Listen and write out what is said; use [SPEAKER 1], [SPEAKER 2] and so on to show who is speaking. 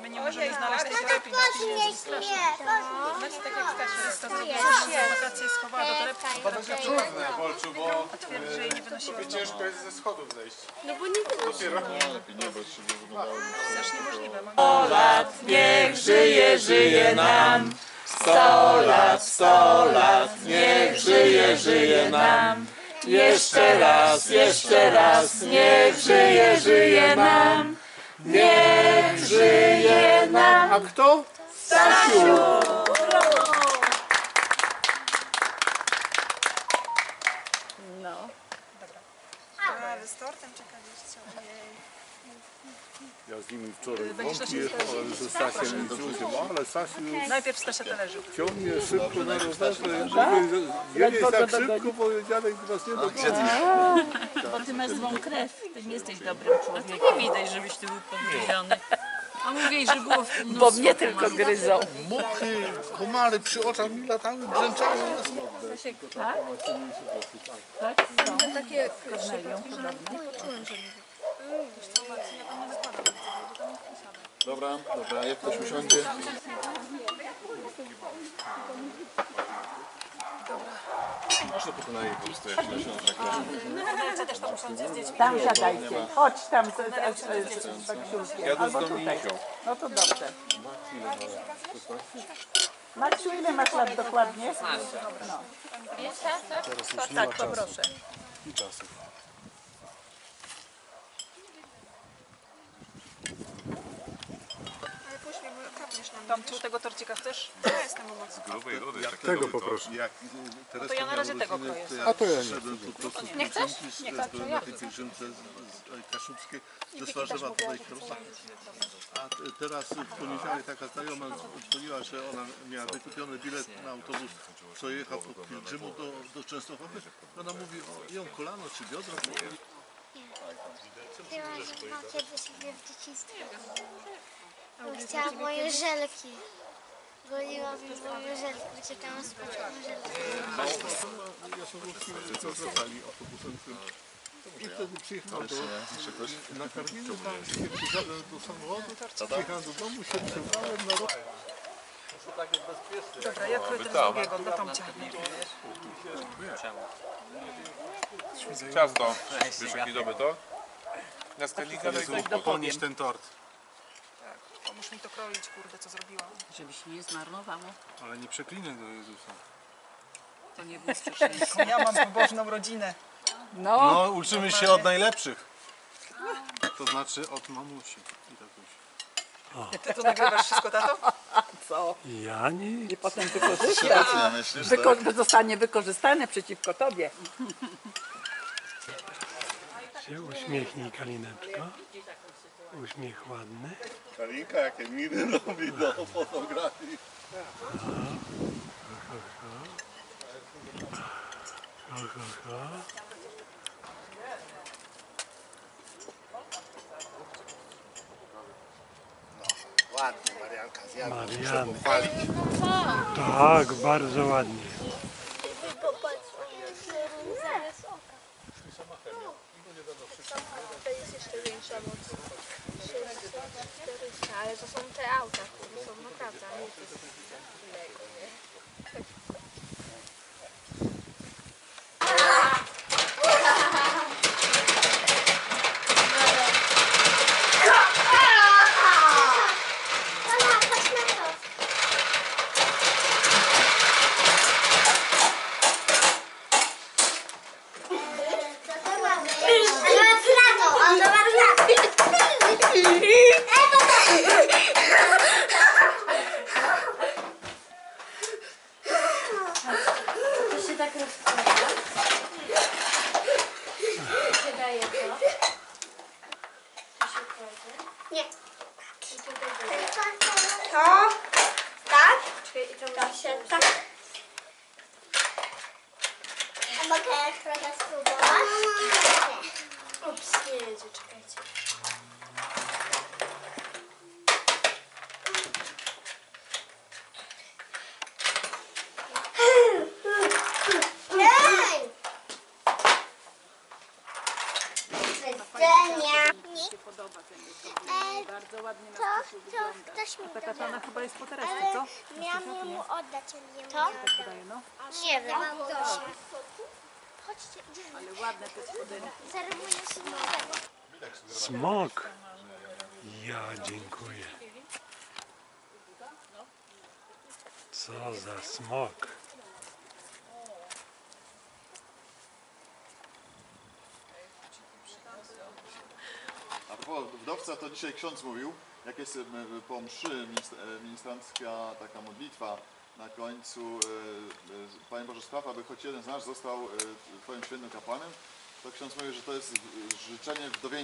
[SPEAKER 1] my nie możemy znaleźć tej torebki.
[SPEAKER 2] Nie śmiech.
[SPEAKER 1] Znaczy tak jak Stasia restauruje, wakacje schowała do torebki i twierdzi, że jej nie wynosiła z domu.
[SPEAKER 3] Ciężko jest ze schodów zejść.
[SPEAKER 2] No bo nie wynosi.
[SPEAKER 1] Też niemożliwe.
[SPEAKER 4] 100 lat, niech żyje, żyje nam. 100 lat, 100 lat, niech żyje, żyje nam. Jeszcze raz, niech żyje, żyje nam. Niech żyje nam.
[SPEAKER 3] A kto?
[SPEAKER 4] Stasiu!
[SPEAKER 1] Ale z tortem czekaliście.
[SPEAKER 3] Ja z nimi wczoraj wątpię, ale ze Stasiem nic ale Stasiu
[SPEAKER 1] Najpierw Stasia talerzyk.
[SPEAKER 3] ciągnie szybko na rowerze. Nie jest tak szybko, bo dziadek was nie dogoni.
[SPEAKER 5] Bo ty masz złą krew, ty nie jesteś dobrym człowiekiem.
[SPEAKER 1] Nie widać, żebyś ty był podgryziony.
[SPEAKER 5] A mówię, że było
[SPEAKER 4] Bo mnie tylko gryzą.
[SPEAKER 3] Muchy, komary przy oczach mi latały, brzęczały.
[SPEAKER 2] Takie
[SPEAKER 3] Dobra, jak ktoś usiądzie. Można tylko na jej po prostu, jak się nasiądzie.
[SPEAKER 4] Tam siadajcie. Chodź tam z Maksiulkiem.
[SPEAKER 3] Jadę z
[SPEAKER 4] Albo tutaj.
[SPEAKER 3] Dominiką.
[SPEAKER 4] No to dobrze. Maksiu, ile masz lat dokładnie? No.
[SPEAKER 1] Tak, poproszę.
[SPEAKER 2] Ale puść mnie, bo kapniesz na mnie.
[SPEAKER 1] Tam tego torcika chcesz?
[SPEAKER 2] Ja jestem umocna.
[SPEAKER 3] Tego poproszę.
[SPEAKER 1] No to ja na razie tego kroję.
[SPEAKER 3] A to ja nie.
[SPEAKER 2] Nie chcesz?
[SPEAKER 6] Nie chcę, na tej pielgrzymce z Kaszubskiej ze Swarzewa tutaj Krosna. A teraz w poniedziałek taka znajoma dzwoniła, że ona miała wykupiony bilet na autobus, co jechał po pielgrzymu do Częstochowy. Ona mówi o ją kolano czy biodro.
[SPEAKER 7] Byłam kiedyś sobie w dzieciństwie. Chciałam moje żelki. Goliłam moje żelki, wyciekałam z pociągu żelki.
[SPEAKER 6] Ja sobie co wracali autobusem. I wtedy przyjechałem na Karwinę, tam się przyjechałem do samochodu, przyjechałem do domu, się przebrałem na rok.
[SPEAKER 1] Dobra, ja kroję ten drugiego, do Tomcia.
[SPEAKER 3] Ciasto. Wiesz jaki dobry to? Na skarbnika podnieś ten tort.
[SPEAKER 1] Tak, pomóż mi to kroić, kurde, co zrobiłam.
[SPEAKER 5] Żebyś nie zmarnowało.
[SPEAKER 3] Ale nie przeklinaj do Jezusa.
[SPEAKER 5] To nie było przeszeństwo.
[SPEAKER 1] Ja mam pobożną rodzinę.
[SPEAKER 3] No, uczymy się od najlepszych. To znaczy od mamusi i tatusi.
[SPEAKER 1] Ty to nagrywasz wszystko, tato?
[SPEAKER 4] Co?
[SPEAKER 8] Ja nie.
[SPEAKER 4] I potem wykorzystasz. Zostanie wykorzystane przeciwko tobie.
[SPEAKER 8] Się uśmiechnij, Kalineczko. Uśmiech ładny.
[SPEAKER 6] Kalinka jakie miny robi do fotografii. Ładnie Marianka zjadła.
[SPEAKER 8] Marian.
[SPEAKER 6] Pochwalić.
[SPEAKER 8] Tak, bardzo ładnie.
[SPEAKER 2] To jest jeszcze większa moc. 400, ale to są te auta, które są naprawdę, a nie to jest Lego, nie?
[SPEAKER 7] To się tak rozkłada. Wydaje to. To się kładzie. Nie. I tutaj wydaje.
[SPEAKER 2] To? Tak? Czekaj, i to musi się tak.
[SPEAKER 7] A mogę trochę spróbować?
[SPEAKER 2] Ups, nie jedzie, czekajcie.
[SPEAKER 7] Ej! Widzenia.
[SPEAKER 5] Podoba ten
[SPEAKER 7] Ej,
[SPEAKER 5] bardzo ładnie
[SPEAKER 7] to To ktoś mi
[SPEAKER 1] Ta katana chyba jest po teresce,
[SPEAKER 7] ale
[SPEAKER 1] co?
[SPEAKER 7] miałam mu oddać, ale nie to?
[SPEAKER 1] Wydaje, no.
[SPEAKER 7] Nie wiem. Mam Gosia. Chodźcie, idziemy.
[SPEAKER 5] Ale ładne te spodnie.
[SPEAKER 7] Zarmuję się nowego.
[SPEAKER 8] Smok. Ja dziękuję. Co za smok.
[SPEAKER 9] A propos wdowca, to dzisiaj ksiądz mówił, jak jest po mszy ministrancka taka modlitwa na końcu, Panie Boże, spraw, aby choć jeden z nas został Twoim świętym kapłanem, to ksiądz mówił, że to jest życzenie wdowieństwa.